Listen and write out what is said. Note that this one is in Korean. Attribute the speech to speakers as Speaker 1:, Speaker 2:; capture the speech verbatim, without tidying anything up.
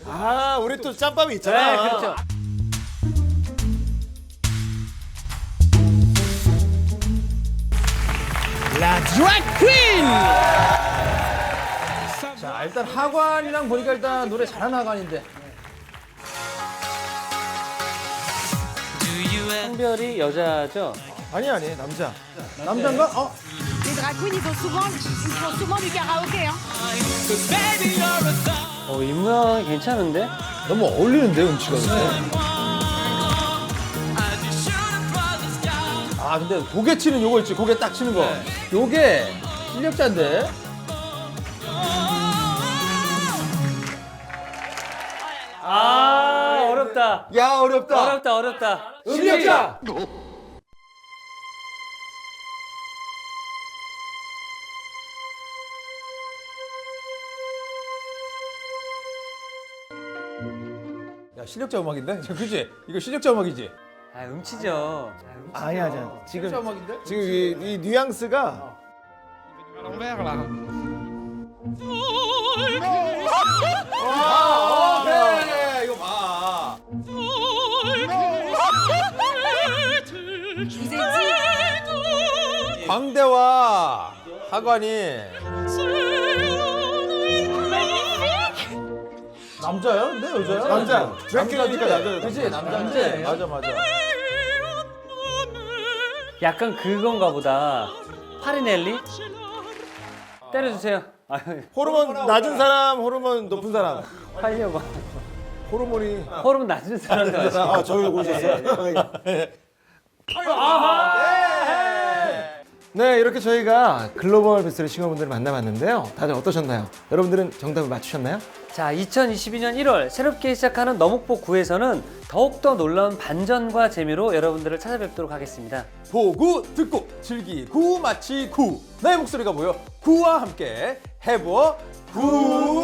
Speaker 1: 아, 우리 또 짬밥이 있잖아.
Speaker 2: 네, 그렇죠.
Speaker 3: 라 드래그 퀸! 자, 일단 하관이랑 보니까 일단 노래 잘하는 하관인데.
Speaker 2: 성별이 여자죠?
Speaker 1: 아니 아니 남자.
Speaker 3: 남자인가? 어?
Speaker 4: Les drag queens, ils font souvent, ils font souvent du karaoké. Hein.
Speaker 2: 어, 이 모양이 괜찮은데?
Speaker 3: 너무 어울리는데, 음치가. 아, 근데 고개 치는 요거 있지, 고개 딱 치는 거. 요게 실력자인데.
Speaker 2: 아, 어렵다.
Speaker 1: 야 어렵다.
Speaker 2: 어렵다, 어렵다.
Speaker 3: 실력자! 야, 실력자 음악인데? 그지? 이거 실력자 음악이지?
Speaker 2: 아, 음치죠.
Speaker 1: 아니 아니야. 지금
Speaker 3: 실력자 음악인데?
Speaker 1: 지금 이, 이 뉘앙스가
Speaker 3: 아, 네, 이거 봐.
Speaker 4: Je vous ai dit.
Speaker 1: 광대와 하관이
Speaker 3: 남자야? 근데 여자야?
Speaker 1: 남자. 드래큘라니까 남자.
Speaker 3: 그지? 남자인데.
Speaker 1: 맞아 맞아.
Speaker 2: 약간 그건가 보다. 파리넬리? 때려주세요. 아유,
Speaker 1: 호르몬 낮은 사람, 호르몬 높은 사람.
Speaker 2: 하려고.
Speaker 1: 호르몬이.
Speaker 2: 호르몬 낮은 사람도 아시고.
Speaker 1: 아 저기 오셨어요. 네, 이렇게 저희가 글로벌 베스트셀러 싱어분들을 만나봤는데요. 다들 어떠셨나요? 여러분들은 정답을 맞추셨나요?
Speaker 2: 자, 이천이십이 년 일월 새롭게 시작하는 너목보 구에서는 더욱더 놀라운 반전과 재미로 여러분들을 찾아뵙도록 하겠습니다.
Speaker 3: 보고 듣고 즐기고 마치고 나의 목소리가 모여 구와 함께 해보 구